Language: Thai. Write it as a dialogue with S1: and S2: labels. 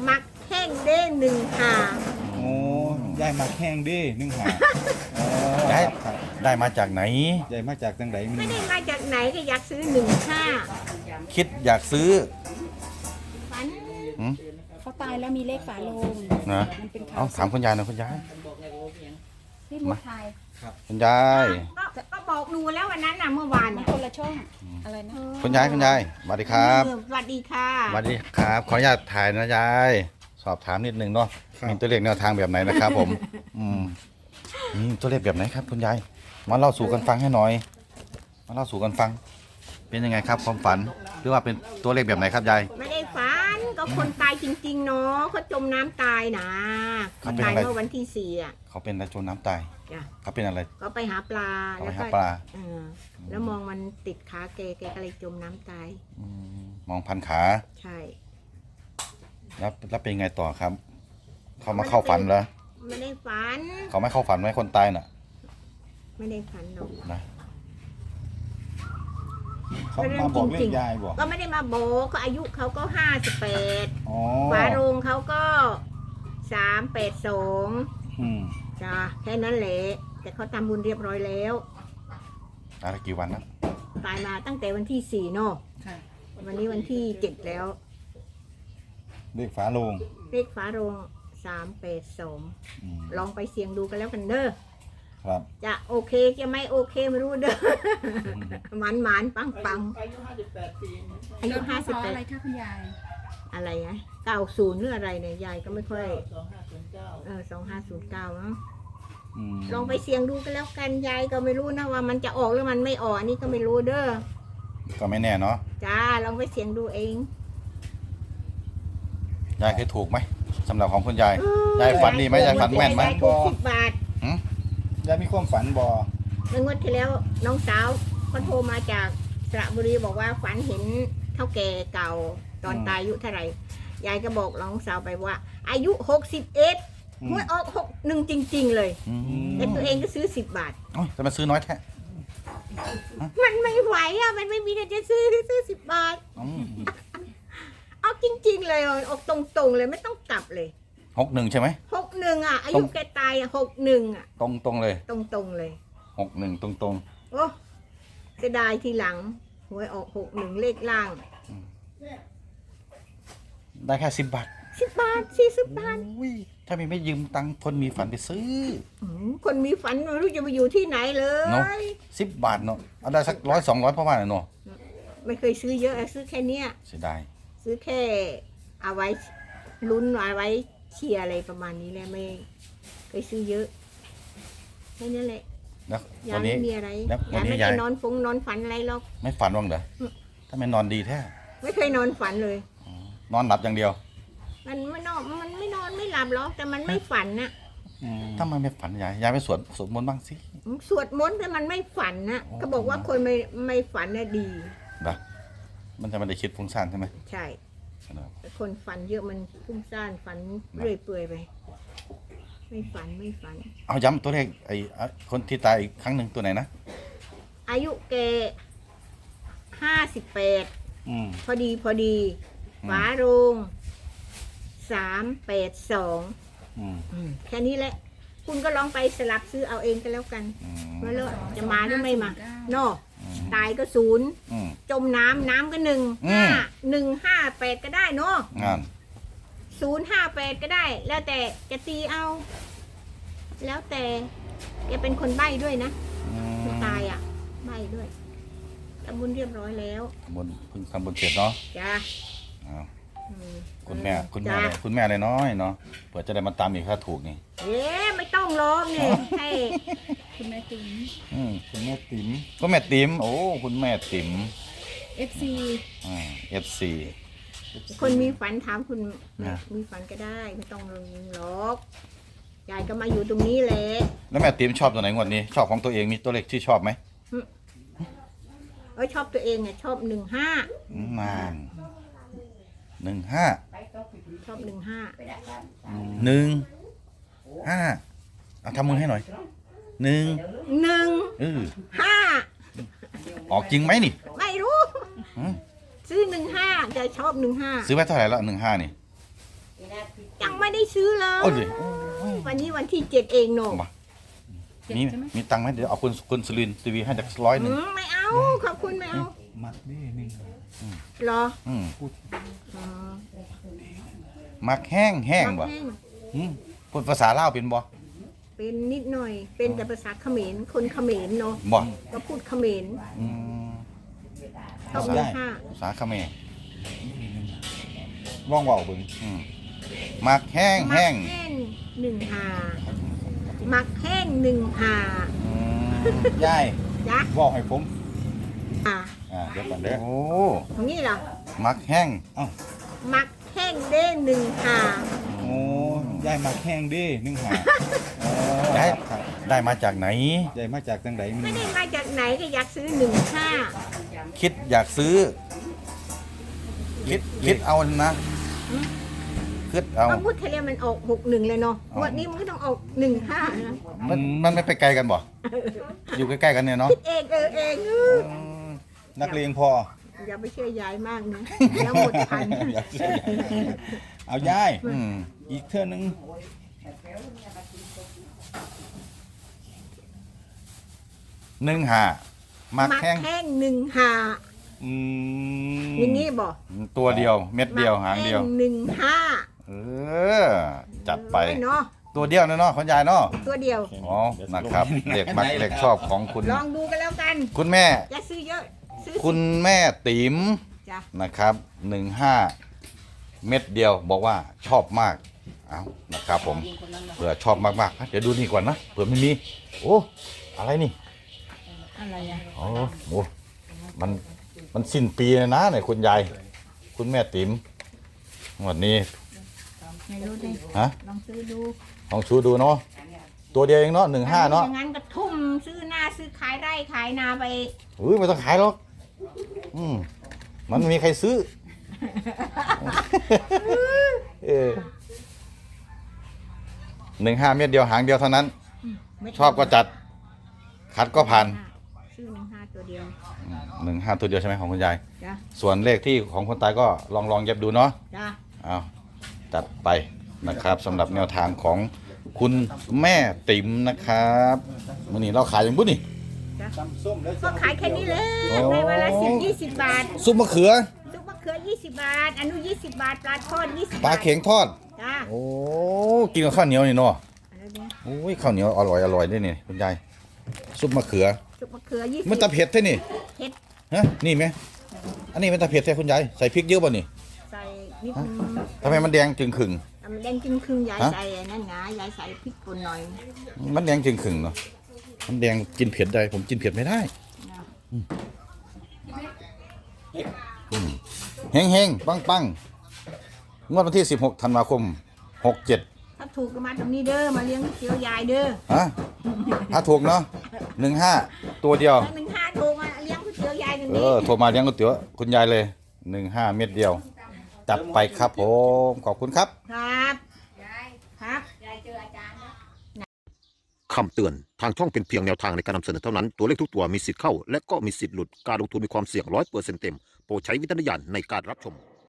S1: มักแห้งเด้1 หา
S2: โอ้ยายมาแห้งดิ1 หาอ๋อ
S3: ได้
S2: ครับ
S3: ได้มาจากไหน
S2: ยายมาจากทางไหน
S1: ไม่ได้มาจากไหนก็อยากซื้อ15
S3: คิดอยากซื้อ
S1: ฝัน
S3: หืม
S4: เขาตายแล้วมีเลขฝาโลง
S3: นะ
S4: มันเป็นข่า
S3: เอา
S4: ว
S3: ถามคุณยายหน่อยคุณยาย
S4: ที่มุดไทย
S3: คุณยาย
S1: ก็บอกดูแล้ววันนั้นน่ะเมื่อวาน
S4: มัน
S1: น่ะ
S4: คนละช่องอะไรนะ
S3: คุณยายสวัสดีครับ
S1: สวัสดีค่ะ
S3: สวัสดีครับขออนุญาตถ่ายนะยายสอบถามนิดนึงเนาะมีตัวเลขแนวทางแบบไหนนะครับ ผมมีตัวเลขแบบไหนครับ คุณยายมาเล่าสู่กันฟังให้หน่อยมาเล่าสู่กันฟัง เป็นยังไงครับความฝันหรือว่าเป็นตัวเลขแบบไหนครับยาย
S1: ไม่ได้ฝันก็คนตายจริงๆเนาะเขาจมน้ำตายนะ
S3: เขาเป็น
S1: ตาย
S3: อะไร
S1: เมื่อวันที่4อ่ะ
S3: เขาเป็นอะไรจมน้ำตาย
S1: จ้ะ
S3: เขาเป็นอะไร
S1: ก็ไปหาปลา
S3: เขาไป
S1: แล้ว
S3: หา
S1: ก็
S3: ปลา
S1: แล้วมองมันติดขาแกก็เลยจมน้ำตาย
S3: มองพันขา
S1: ใช่
S3: แล้วเป็นยังไงต่อครับ เขามาเข้าฝันเหรอ
S1: ไม่ได้ฝัน
S3: เขาไม่เข้าฝันไหมคนตายน่ะ
S1: ไม่ได้ฝันหรอก
S3: นะ
S2: เขามาบอกเลขยายบอก
S1: ก็ไม่ได้มาโบกก็อายุเขาก็58
S2: อ๋อ
S1: ฝาโรงเขาก็382
S2: อืม
S1: จ้ะแค่นั้นแหละแต่เขาทำบุญเรียบร้อยแล้ว
S3: ตายไปกี่วันนะ
S1: ตายมาตั้งแต่วันที่4เนาะ
S4: ค่ะ
S1: วันนี้วันที่7แล้ว
S2: เลขฝาโลง
S1: เลขฝาโรง382
S2: อืม
S1: ลองไปเสี่ยงดูกันแล้วกันเด้อ
S2: ครับ
S1: จะโอเคจะไม่โอเคไม่รู้เด้อ หมันหมันปังปังอายุ
S4: เกิดพศอะไร
S1: 58
S4: คะคุณยาย
S1: อะไรนะ90หรืออะไรเนี่ยยายก็ไม่ค่อย2509มั้ง
S2: อืม
S1: ลองไปเสี่ยงดูกันแล้วกันยายก็ไม่รู้นะว่ามันจะออกหรือมันไม่ออกอันนี้ก็ไม่รู้เด้อ
S3: ก็ไม่แน่เนาะ
S1: จ้าลองไปเสี่ยงดูเอง
S3: ยายเคยถูกไหมสำหรับของคุณยายยายฝันดีไหมยายฝันแม่นไหม
S1: ยายถูก10 บาท
S2: ยายมีความฝันบ่
S1: เมื่องวดที่แล้วน้องสาวเขาโทรมาจากสระบุรีบอกว่าฝันเห็นเท่าแก่เก่าตอนตายอายุเท่าไหร่ยายก็บอกน้องสาวไปว่า อายุ61หวยออก61จริง ๆ เลย แต่ตัวเองก็ซื้อ10 บาท
S3: โอ้ยจะมาซื้อน้อยแท้
S1: มันไม่ไหวอ่ะมันไม่มีเงินจะซื้อ10 บาท
S3: อืม
S1: เอาจริง ๆ เลยออกตรงๆเลยไม่ต้องกลับเลย
S3: 61ใช่ไหม
S1: 61อ่ะอายุแกตายอ่ะ61อ่ะ
S3: ตรงเลย
S1: ตรงๆเลย
S3: 61ตรง
S1: โอ้เสียดายทีหลังหวยออก61เลขล่าง
S3: ๆได้แค่10 บาท
S1: 10 บาท40 บาท
S3: อุ้ยถ้าไม่ยืมตังค์คนมีฝันไปซื้อ
S1: คนมีฝันไม่รู้จะไปอยู่ที่ไหนเล
S3: เนอะ
S1: ย
S3: 10 บาทเนาะเอาได้สัก100-200เพราะว่าเนาะ
S1: ไม่เคยซื้อเยอะซื้อแค่เนี้ย
S3: เสียดาย
S1: ซื้อแค่เอาไว้ลุ้นเอาไว้เชียร์อะไรประมาณนี้แหละไม่เคยซื้อเยอะแค่นั้นแหละ
S3: แล้ว
S1: ยา
S3: วัน
S1: ไม่
S3: นี้
S1: มีอะไร
S3: แล้ววั
S1: ยาน
S3: นี้
S1: ไม่
S3: ยา
S1: ได้
S3: ย
S1: นอนฝันอะไรหรอก
S3: ไม่ฝันบ้างเหรอถ้าไม่นอนดีแท้
S1: ไม่เคยนอนฝันเลย
S3: นอนหลับอย่างเดียว
S1: มันไม่นอนไม่หลับหรอกแต่มันไม่ฝันนะ
S3: ถ้ามันไม่ฝันยายไปสวดมนต์บ้างสิ
S1: สวดมนต์แต่มันไม่ฝันนะ
S3: โอ้
S1: เขาบอกว่าคนไม่ฝันน่ะดี
S3: นะมันจะไม่ได้คิดฟุ้งซ่านใช่ไหม
S1: ใช่
S3: นะครับ
S1: แต่คนฝันเยอะมันฟุ้งซ่านฝันเรื่อยเปื่อยไป ไม่ฝัน
S3: เอาย้ำตัวเลขคนที่ตายอีกครั้งหนึ่งตัวไหนนะ
S1: อายุแก58
S2: อืม
S1: พอดี
S3: อืม
S1: ฝาโรง382
S2: อืม
S1: แค่นี้แหละ คุณก็ลองไปสลับซื้อเอาเองก็แล้วกัน
S3: อืม
S1: ว่าแล้วจะมาหรือไม่มา
S4: 2509
S1: นอกตายก็0
S3: อืม
S1: จมน้ำก็1
S3: อืม
S1: 158ก็ได้เนาะ
S3: งาน
S1: 058ก็ได้ แล้วแต่จะตีเอา แล้วแต่แกเป็นคนใบ้ด้วยนะไม่ตายอ่ะใบ้ด้วยทำบุญเรียบร้อยแล้ว
S3: บนเพิ่งทำบนเสร็จเนาะ
S1: จ้า
S3: เอา
S1: อืม
S3: คุณแม่
S1: จ้า
S3: คุณแม่อะไรน้อยเนาะเผื่อจะได้มาตามอีกถ้าถูกนี่
S1: เอ๊ะไม่ต้องร้องนี่ให้
S4: คุณแม่ติ๋ม
S3: อืม
S2: คุณแม่ติ๋ม
S3: คุณแม่ติ๋มโอ้คุณแม่ติ๋ม
S4: FC
S3: FC
S1: คนมีฝันถามคุณ
S3: นะ
S1: มีฝันก็ได้ ไม่ต้องลงล็อกยายก็มาอยู่ตรงนี้แหละ
S3: แล้วแม่ติ๋มชอบตัวไหนงวดนี้ ชอบของตัวเองมีตัวเลขที่ชอบไหม
S1: ชอบตัวเองอ่ะชอบ15
S3: นาน15
S1: ชอบ15
S3: 1 5เอาทำมือให้หน่อย1
S1: 1
S3: ออกจริงไหมนี่
S1: 5ไม่รู้
S3: หืม
S1: ซื้อ15จะชอบ15
S3: ซื้อไว้เท่าไหร่แล้ว15นี่
S1: ได้ซื้อเล
S3: โอ้
S1: ย
S3: ดิ
S1: วันนี้วันที่7เองโน
S3: มามีมีตังค์ไหมเดี๋ยวเอาคุณสุรินทร์ทีวีให้จาก100หนึ่ง
S1: ไม่เอาขอบคุณไม่เอา
S2: มักเด้1
S1: เหรอ
S3: อืม
S1: อ๋อ
S3: มักแห้งแห้งบ่
S1: แห้ง
S3: อืมพูดภาษาลาวเป็นบ่
S1: เป็นนิดหน่อย เป็นแต่ภาษาเขมรคนเขมรเนาะ
S3: บ่
S1: ก็พูดเขมร
S3: อืม
S1: ต้องมีห้า
S3: ภาษาเขมร
S2: ลองเว้าเบิ่ง
S3: อืมมักแห้งแห้ง
S1: มักแห้ง1 หามักแห้ง1 หา
S3: อืม
S2: ยาย
S1: จ้ะ
S2: เว้าให้ผม
S3: เดี๋ยวก่อนเด้อโอ้
S1: ตรงนี้เหรอ
S3: มักแห้ง
S1: มักแห้งเด้1 หา
S2: โอ้ยายมักแห้งเด้1 หาอ๋อ
S3: ได้
S2: ครับ
S3: ได้มาจากไหน
S2: ยายมาจากจังได
S1: ไม่ได้มาจากไหนก็อยากซื้อ1 5
S3: คิดอยากซื้อ คิดเอานะคิดเอา
S1: เพราะพุทธเรียมันออก61เลยเนาะวันนี้มันก็ต้องออก1 5นะ
S3: มันไม่ไปไกลกันบ่ อยู่ใกล้ๆกันเนี่ยเนาะ
S1: คิดเองเอง
S2: นักเลงพอ
S1: อย่าไปเชื่อยายมากนะแล้วหมดพัน
S2: อยากซื้อยายเอายาย
S3: อืม
S2: อีกเทื่อนึง
S3: 1 มัก
S1: มัก
S3: แห้ง
S1: แห้ง1 หา
S2: อืม
S1: อย่างนี้บอก
S3: ตัวเดียวเม็ดเดียวหางเดียว
S1: 1 5
S3: เออ จัดไป
S1: เนาะ
S3: ตัวเดียวนะเนาะคุณยายเนาะ
S1: ตัวเดียว
S3: อ๋อนะครับเด็กมักเด็กชอบของคุณ
S1: ลองดูกันแล้วกัน
S3: คุณแม่
S1: อย่าซื้อเยอะซื้อ
S3: คุณแม่ติ๋ม
S1: จ้ะ
S3: นะครับ15 เม็ดเดียวบอกว่าชอบมากเอานะครับผมเผื่อชอบมากๆเดี๋ยวดูนี่ก่อนนะเผื่อไม่มีโอ้อะไรนี่
S1: อะไรอ่ะ
S3: โอ้โหมันสิ้นปีเลยนะเนี่ยคุณยายคุณแม่ติ๋มวันนี้
S1: ไม่รู้ดิ
S3: ฮะ
S1: ลองซื้อดู
S3: ลองชูดูเนาะตัวเดียวเองเนาะ15เนาะ
S1: อย่างนั้นก็ทุ่มซื้อหน้าซื้อขายไร่ขายนาไป
S3: อุ้ยไม่ต้องขายหรอกมันไม่มีใครซื้อ 15 เม็ดเดียวหางเดียวเท่านั้น
S1: ไม่
S3: ชอบก็จัด คัดก็ผ่าน
S1: ซื้อ1 5ตัวเดียว
S3: 15 ตัวเดียวใช่ไหมของคุณยาย
S1: จ้ะ
S3: ส่วนเลขที่ของคนตายก็ลองเย็บดูเนาะ
S1: จ้ะ
S3: เอาจัดไปนะครับสำหรับแนวทางของคุณแม่ติ๋มนะครับมื่อนี้เราขายอย่างบุ้นี่
S2: ตำส้มแล้ว
S1: ก็ขายแค่นี้เลย
S3: โอ้
S1: ในวันละ10-20 บาท
S3: ซุปมะเขือ
S1: ซุปมะเขือ20 บาทอนุ20 บาทปลาทอด20
S3: ปลา
S1: บาท
S3: เข็งทอด
S1: จ้ะ
S3: โอ้กินกับข้าวเหนียวนี่เนาะ
S1: อะไรเนี่ย
S3: โอ้ยข้าวเหนียวอร่อยด้วยนี่คุณยายซุปมะเขือ
S1: ซุปมะเขือ20
S3: มันตะเผ็ดใช่นี่
S1: เผ็ด
S3: ฮะนี่ไหมอันนี้มันตะเผ็ดใช่คุณยายใส่พริกเยอะป่ะนี่
S1: ใส่นิดนึง
S3: ทำไมมันแดงจึงขึง
S1: มันแดงจึงครึ่งยาย
S3: ฮะ
S1: ใส่อันนั่นนะยายใส่พริกป่นหน่อย
S3: มันแดงจึงขึงเนาะมันแดงกินเผ็ดได้ผมกินเผ็ดไม่ได้
S1: นะ
S3: เฮงเฮงปังปังงวดวันที่16 ธันวาคม 67
S1: ถ้าถูกก็มาตรงนี้เด้อมาเลี้ยงก๋วยเตี๋ยวยายเด้อ
S3: ฮะถ้าถูกเนาะ15 ตัวเดียว
S1: ถ้า1 5ถูกมาเลี้ยงก๋วยเตี๋ยวยายตรง
S3: เอ
S1: นี้
S3: อโทรมาเลี้ยงก๋วยเตี๋ยวคุณยายเลย15 เม็ดเดียว จัดไปครับผมขอบคุณครับ
S1: ครับครับ
S5: คำเตือน ทางช่องเป็นเพียงแนวทางในการนำเสนอเท่านั้น ตัวเลขทุกตัวมีสิทธิ์เข้า และก็มีสิทธิ์หลุด การลงทุนมีความเสี่ยง100%เต็ม โปรดใช้วิจารณญาณในการรับชม